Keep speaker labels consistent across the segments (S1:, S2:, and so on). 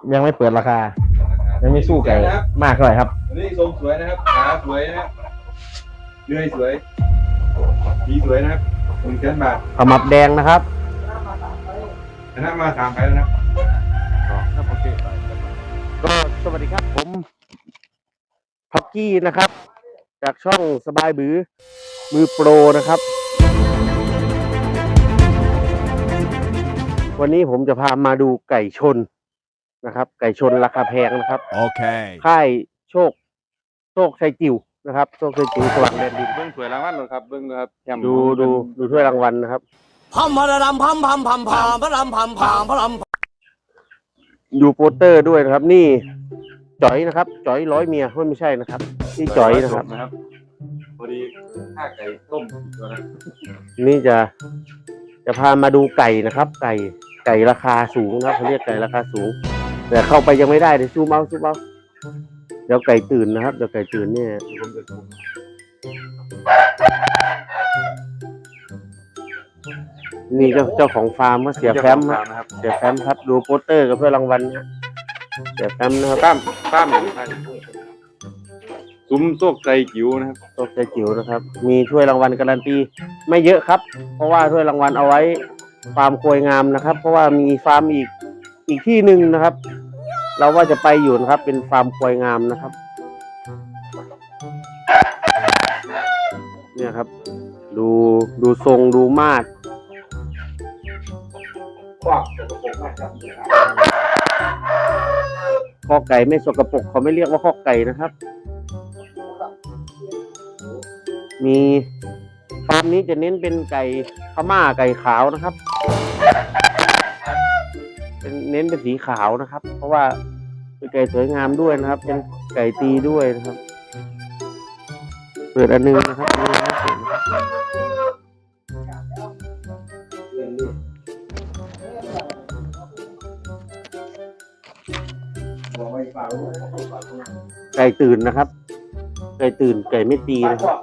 S1: ยังไม่เปิดราคายังไม่สู้ไก่มากเท่าไหร่ครับ
S2: วันนี้ทรงสวยนะครับขาสวยนะครับเลื่อยสวยดีสวยนะครับ100,000 บาท
S1: ขมับแดงนะครับ
S2: ชนะมา3 ไฟแล้วนะครับโอเค
S1: ก็สวัสดีครับผมพักกี้นะครับจากช่องสบายบือมือโปรนะครับวันนี้ผมจะพามาดูไก่ชนนะครับไก่ชนราคาแพงนะครับ
S3: โอเค
S1: ค่ายโชคชัยจิ๋วนะครับโชคชัยจิ๋วสว่างแดนดิน
S2: เบิ้งสวยรางวัลเลยครับเบิ้งครับ
S1: ดูถ้วยรางวัลนะครับ
S4: พัมพะรำพัมพัมพัมพัมพะรำพัมพัมพะรำ
S1: ดูโปสเตอร์ด้วยนะครับนี่จ๋อยนะครับจ๋อย100 เมียไม่ใช่นะครับนี่จ๋อยนะครับ
S2: พอดีข้าไก่ต้มตัวนั้น
S1: นี่จะพามาดูไก่นะครับไก่ราคาสูงนะครับเขาเรียกไก่ราคาสูงแต่เข้าไปยังไม่ได้เดี๋ยวซูมเอาเดี๋ยวไก่ตื่นนะครับเดี๋ยวไก่ตื่นเนี่ยนี่เจ้าของฟาร์มก็เสียแฟ้มครับเสียแฟ้มครับดูโปสเตอร์กับเพื่อรางวัลนะเสียแฟ้มนะครับ
S2: ป้ามซุ้มโซกไก่จิ๋วนะครับ
S1: โซกไก่จิ๋วนะครับมีถ้วยรางวัลการันตีไม่เยอะครับเพราะว่าถ้วยรางวัลเอาไว้ฟาร์มโคยงามนะครับเพราะว่ามีฟาร์มอีกที่หนึ่งนะครับเราว่าจะไปอยู่นะครับเป็นฟาร์มโคยงามนะครับเนี่ยครับดูทรงดูมาดข้อไก่ไม่สกปรกเขาไม่เรียกว่าข้อไก่นะครับมีฟาร์มนี้จะเน้นเป็นไก่พม่าไก่ขาวนะครับเน้นเป็นสีขาวนะครับ เพราะว่าเป็นไก่สวยงามด้วยนะครับเป็นไก่ตีด้วยนะครับเปิดอันนึงนะครับไก่ตื่นนะครับไก่ตื่นไก่ไม่ตีนะครับ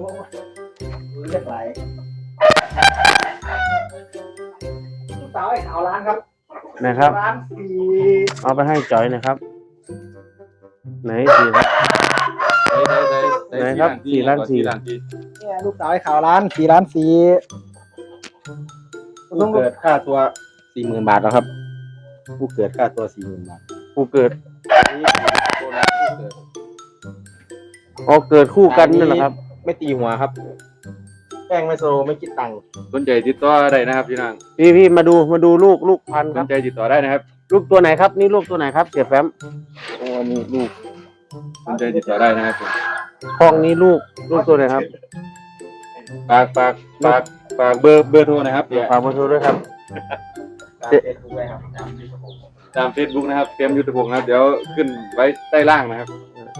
S4: สาวไอ้ขาวร้านครับ
S1: นะครับเอาไปให้จอยนะครับไหนสีครับไหนครับ4 ล้าน 4
S4: เนี่ยลูกสาวไอ้ขาวร้าน4 ล้าน 4
S1: ผู้เกิดค่าตัว 40,000 บาทแล้วครับผู้เกิดค่าตัว 40,000 บาทผู้เกิดเกิดคู่กันนั่นแหละครับไม่ตีหัวครับแป้งไม่โซไม่คิดตังค์
S2: สนใจติดต่อได้นะครับพี่นาง
S1: พี่มาดูลูกพันธุ์ครับ
S2: สนใจติดต่อได้นะครับ
S1: ลูกตัวไหนครับนี่ลูกตัวไหนครับเสียแฟ้มโอ้นี่ลูก
S2: สนใจติดต่อได้นะครับ
S1: ห้องนี้ลูกตัวไหนครับ
S2: ฝากเบอร์โทรนะครับ
S1: ฝากเบอร์โทรด้วยครับ
S2: ตาม Facebook นะครับเตรียมยุทธภพนะครับเดี๋ยวขึ้นไว้ใต้ล่างนะครับ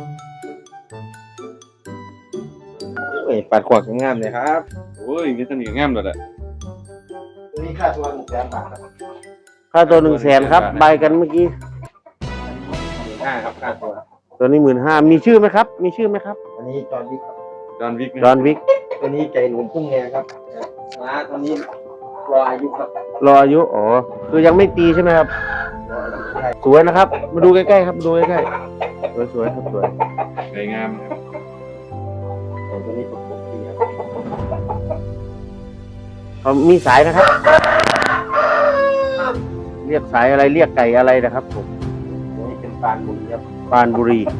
S1: ปัดขวากงามเลยครับ
S2: โอ้ยนี่สนิทงามเลยแหละ
S4: นี่ค่าตัว100,000 บาท
S1: ค่าตัว100,000ครับใบกันเมื่อกี้
S2: 15,000ครับค่า
S1: ตัวนี้15,000มีชื่อไหมครับอั
S4: อันนี้จอห์นวิกครับ
S1: จอห์นวิก
S4: ตัวนี้ไก่หนุ่มพุ่งแงครับตัวนี้รออายุครับ
S1: รออายุอ๋อคือยังไม่ตีใช่ไหมครับสวยนะครับมาดูใกล้ๆครับดูใกล้ๆสวยครับสวย
S2: สวยงามครับ
S4: ตัวนี้ผมตีครับ
S1: เขามีสายนะครับเรียกสายอะไรเรียกไก่อะไรนะครับผม
S4: นี่เป็นปานบุรีครับ
S1: ปานบุรี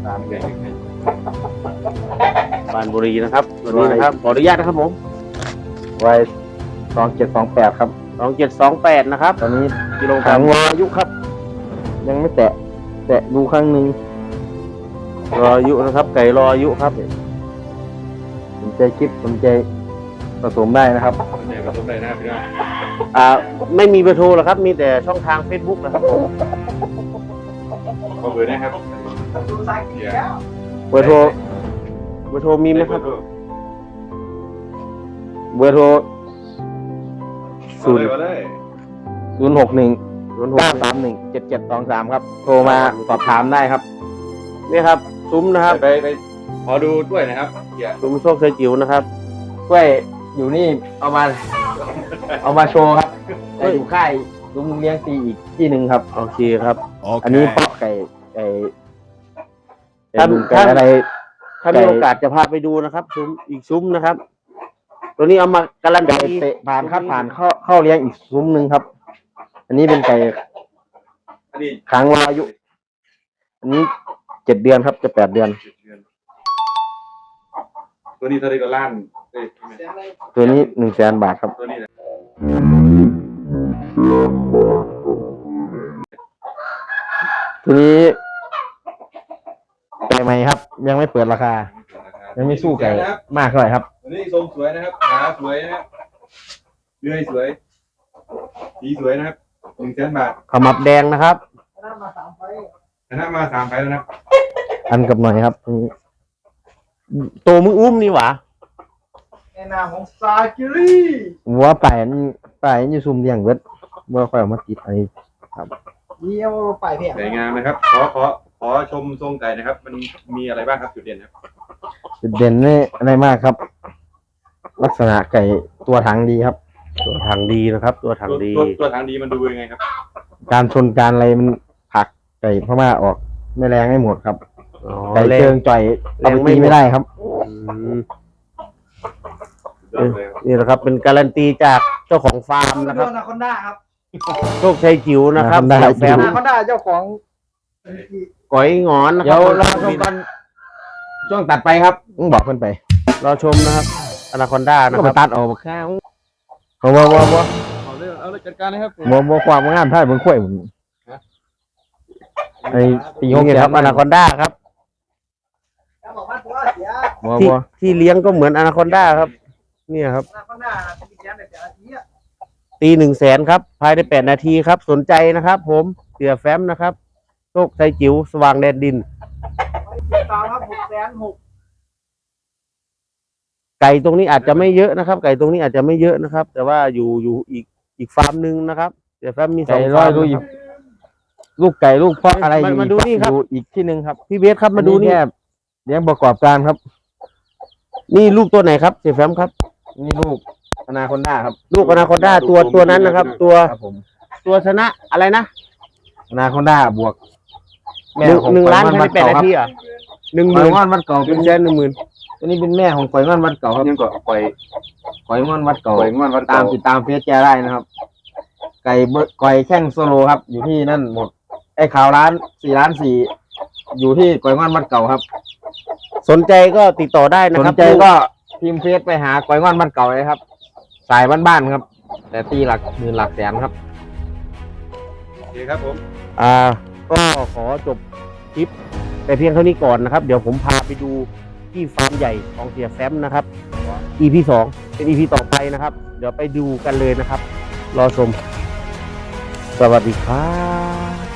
S1: ปานบุรีนะครับตัวนี้นะครับขออนุญาตนะครับผม
S4: ไว้2728ครับ
S1: 2728นะครับ
S4: ตอนนี้
S1: กิโลกรัมรออายุครับ
S4: ยังไม่แตะดูครั้งหนึ่ง
S1: รออายุนะครับไก่รออายุครับ
S4: สนใจคลิปสนใจผสมได้นะครับ
S2: ผสมได้นะครับพี่น้
S1: องไม่มีเบอร์โทรหรอกครับมีแต่ช่องทาง Facebook นะครับผม
S2: ขอเบอร์นะครับ
S1: เบอร์โทรมีไหมครับเบอร์โทร
S4: 061-931-7723ครับโทรมาสอบถามได้ครับ
S1: นี่ครับซุ้มนะครับ
S2: ไปขอดูด้วยนะครับ
S1: ซุ้มโชคชัยจิ๋วนะครับ
S4: กล้วยอยู่นี่เอามาโชว์ครับแต่อยู่ค่ายลุงเลี้ยงตีอีกที่หนึ่งครับ
S1: โอเคครับ
S3: อันนี้เพาะไก่
S1: ท่าน
S3: ไก่อะไร
S1: ถ้ามีโอกาสจะพาไปดูนะครับซุ้มอีกซุ้มนะครับ ตัวนี้เอามาการัน
S3: ไก่
S1: ตี
S3: เตะผ่านครับผ่านเข้าเลี้ยงอีกซุ้มหนึ่งครับ อันนี้เป็นไก่
S2: อันนี้
S3: ค้างวาอายุ อันนี้7 เดือนครับจะ8 เดือน
S2: ตัวนี้เท่าไหร่ก็ล้านเอ้ย
S3: ตัวนี้100,000 บาทครับ
S2: ตัวนี้แหละ
S3: ตัวนี้ไก่ใหม่ครับ ยังไม่เปิดราคา ยังไม่สู้ไก่มากเท่าไหร่ครับ
S2: ตัวนี้ทรงสวยนะครับขาสวยนะครับเลื่อยสวยสีสวยนะครับ100,000 บาท
S1: ขมับแดงนะครับ
S2: ชนะมา3 ไฟล์แล้วนะครับ
S3: อันกับหน่อยครับตัวนี้
S1: โตมึงอุ้มนี่หวะ
S5: ในนามของซากิรี
S3: วัวป่ายอยู่ซุ่มเลี้ยงเบิดวัวค่อยเอามาติดอันนี้
S5: เยี่ยมไปเพียง
S2: สวยงามนะครับ ขอชมทรงไก่นะครับ มันมีอะไรบ้างครับจุดเด่นครับ
S3: จุดเด่นนี่อะไรมากครับ ลักษณะไก่ตัวถังดีครับ
S1: ตัวถังดีนะครับ ตัวถังดี
S2: ตัวทางดีมันดูยังไงครับ
S3: การชนการอะไรมันผลักไก่พม่าออกไม่แรงให้หมดครับ
S1: อ๋อ
S3: ไก่เชิงจ่อยเอาไปตีไม่ได้ครับ
S1: อืม
S2: สุดยอดเลยครับ
S1: นี่แหละครับ เป็นการันตีจากเจ้าของฟาร์มนะค
S5: โด
S1: รับ
S5: นนาคอนด้าครับ
S1: โชคชัยจิ๋วนะครับ
S3: นาคอนด้า
S1: แฟม
S5: นาคอนด้าเจ้าของ
S1: ก๋อยหงอนนะค
S3: เดี๋
S1: รั
S3: ยว
S1: บ
S3: เราชมกันช่วงตัดไปครับบอกเพื่อนไป
S1: รอชมนะครับอนาคอนด้านะ
S3: ก็
S1: ค
S3: มา
S1: รับ
S3: ตัดออกข้างวัว
S2: เอาเลยจัดการนะครับ
S3: ความงามท่ายบนขั้วผมไอ้ตีหก
S1: นี่
S3: แก
S1: ครับอนาคอนด้าครับ
S5: จะบอกว่าตัวเสีย
S3: วัว
S1: ที่เลี้ยงก็เหมือนอนาคอนด้าครับ เนี่ยครับ
S5: นาคอนด้าเป็นแกนแต่อาทิตย์
S1: ตี100,000ครับภายใน8 นาทีครับ สนใจนะครับ ผมเสือแฟ้มนะครับโชคชัยจิ๋วสว่างแดนดิน
S5: ติดตามครับ606
S1: ไก่ตรงนี้อาจจะไม่เยอะนะครับ ไก่ตรงนี้อาจจะไม่เยอะนะครับ แต่ว่าอยู่อีกฟาร์มหนึ่งนะครับเสือแฟ้มมีสอ
S3: ไก่
S1: ง
S3: ร้อ
S1: ฟาย ร์ม
S3: ดู
S1: นะ
S3: อี
S1: ค
S3: ก
S1: รับ
S3: ลูกไก่ลูกเพาะอะไร
S1: มาดูนี่ครับ
S3: อยู่อีกที่หนึ่งครับ
S1: พี่เบสครับมาดูนี่
S3: แค่เลี้ยงประกอบการครับ
S1: นี่ลูกตัวไหนครับเสือแฟ้มครับ
S3: นี่ลูกอนาคอนด้าครับ
S1: ลูกอนาคอนด้าตัวนั้นนะครับ ตัว
S3: ครับผม
S1: ตัวชนะอะไรนะ
S3: อนาคอนด้าบวก
S1: หนึ่งล้านภายใน8 นาทีอ่ะ
S3: หมื่
S1: 10,000
S3: งอนวัดเก่า
S1: 110,000
S3: ตัวนี้เป็นแม่ของก๋วยงอนวัดเก่าครับ
S2: ยังก็ปล่อย
S3: ก๋วยงอนวัดเก่า
S2: ปล่อยงอนวัด
S3: ตา
S2: เก่าม
S3: ติดตามเฟซแกได้นะครับ ไก่แข้งโซโลครับ อยู่ที่นั่นหมดไอ้ขาว4 ล้าน 4อยู่ที่ก๋วยงอนวัดเก่าครับ
S1: สนใจก็ติดต่อได้นะ
S3: ส
S1: คน รับ
S3: ใจก็พิมพ์เฟซไปหาก๋วยงอนวัดเก่าเลยครับ สายบ้านๆครับ แต่ตีหลักหมื่นหลักแสนครับ
S2: โอเคครับผม
S1: ก็ขอจบคลิปแต่เพียงเท่านี้ก่อนนะครับ เดี๋ยวผมพาไปดูที่ฟาร์มใหญ่ของเสียแฟ้มนะครับ EP 2เป็น EP ต่อไปนะครับ เดี๋ยวไปดูกันเลยนะครับ รอชม สวัสดีครับ